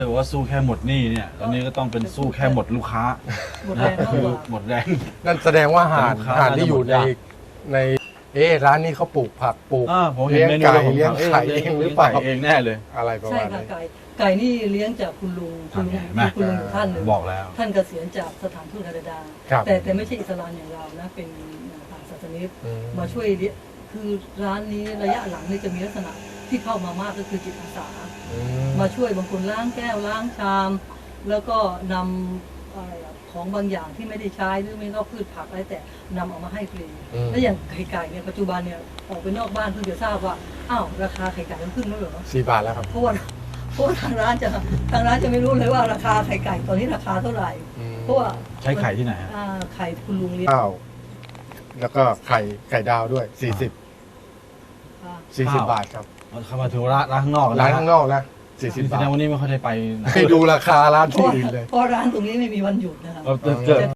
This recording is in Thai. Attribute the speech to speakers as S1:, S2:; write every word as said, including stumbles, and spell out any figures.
S1: แต่ว่าสู้แค่หมดหนี้เนี่ยตอนนี้ก็ต้องเป็นสู้แค่หมดลูกค้า
S2: หมดแรงมาก
S1: คื
S2: ก
S1: อ
S2: ว่า
S1: หมดแรง
S3: นั่นแสดงว่าห่าน
S1: ลูกค้า
S3: ห่านที่อยู่ใน
S1: น่าจะหมดยาก
S3: ในเอ๊ะร้านนี้เขาปลูกผักปลูก
S1: อ่าผมเห็น
S3: เลี้ยง
S1: เมนู
S3: ไก่
S1: แล้วผม
S3: เลี้ยง
S1: ถาม
S3: ไข่เองหรือเปล่า
S1: ไก่เองแน่เลย
S3: อะไรประ
S2: ใช่
S3: มาณ
S2: ค่ะ
S3: นี้
S2: ไก่ไก่นี่เลี้ยงจากคุณลุงคุณลุง
S1: เห็นไหม
S2: คุณลุงอยู่ท่านหนึ่ง
S1: บอกแล้ว
S2: ท่านเกษียณจากสถานทูตแคนาดา
S3: ครับ
S2: แต่แต่ไม่ใช่อิสลามอย่างเรานะเป็นทางศาสนิก
S3: อืม
S2: มาช่วยเลี้ยงคือร้านนี้ระยะหลังนี่จะมีลักษณะที่เข้ามามากก็คือจิตอาสา
S3: อื
S2: มาช่วยบางคนล้างแก้วล้างชาม แล้วก็นำอะไรอะของบางอย่างที่ไม่ได้ใช้หรือไม่ก็พืชผักอะไรแต่นำเอามาให้ฟรี
S3: อืม
S2: แล้วอย่างไข่ไก่เนี่ยปัจจุบันเนี่ยออกไปนอกบ้านเพิ่งจะทราบว่าอ้าวราคาไข่ไก่มันขึ้นแล้วเหรอ
S3: สี่บาทแล้วครับ
S2: เพราะว่าเพราะว่าทางร้านจะทางร้านจะไม่รู้เลยว่าราคาไข่ไก่ตอนนี้ราคาเท่าไหร่
S3: อืม
S2: เพราะว่า
S1: ใช้ไข่ที่ไหนฮะ
S2: อ่าไข่คุณลุงเลี้ยง
S3: ข้าวแล้วก็ไข่ไข่ดาวด้วยสี่สิบ
S2: อ่า
S3: สี่สิบบาทครับ
S1: เข้ามาถึงร้านร้านข้างนอก
S3: ร้านข้างนอกนะสี่สิบ
S1: แส
S3: บาท
S1: ดงวันนี้ไม่ค่อยได้ไปไหน
S3: ให้ดูราคาร้าน
S2: เพ
S3: ที่
S2: ราะ
S3: อื่นเลย
S2: เพราะร้านตรงนี้ไม่มีวันหยุดนะครับ
S1: เออเกิด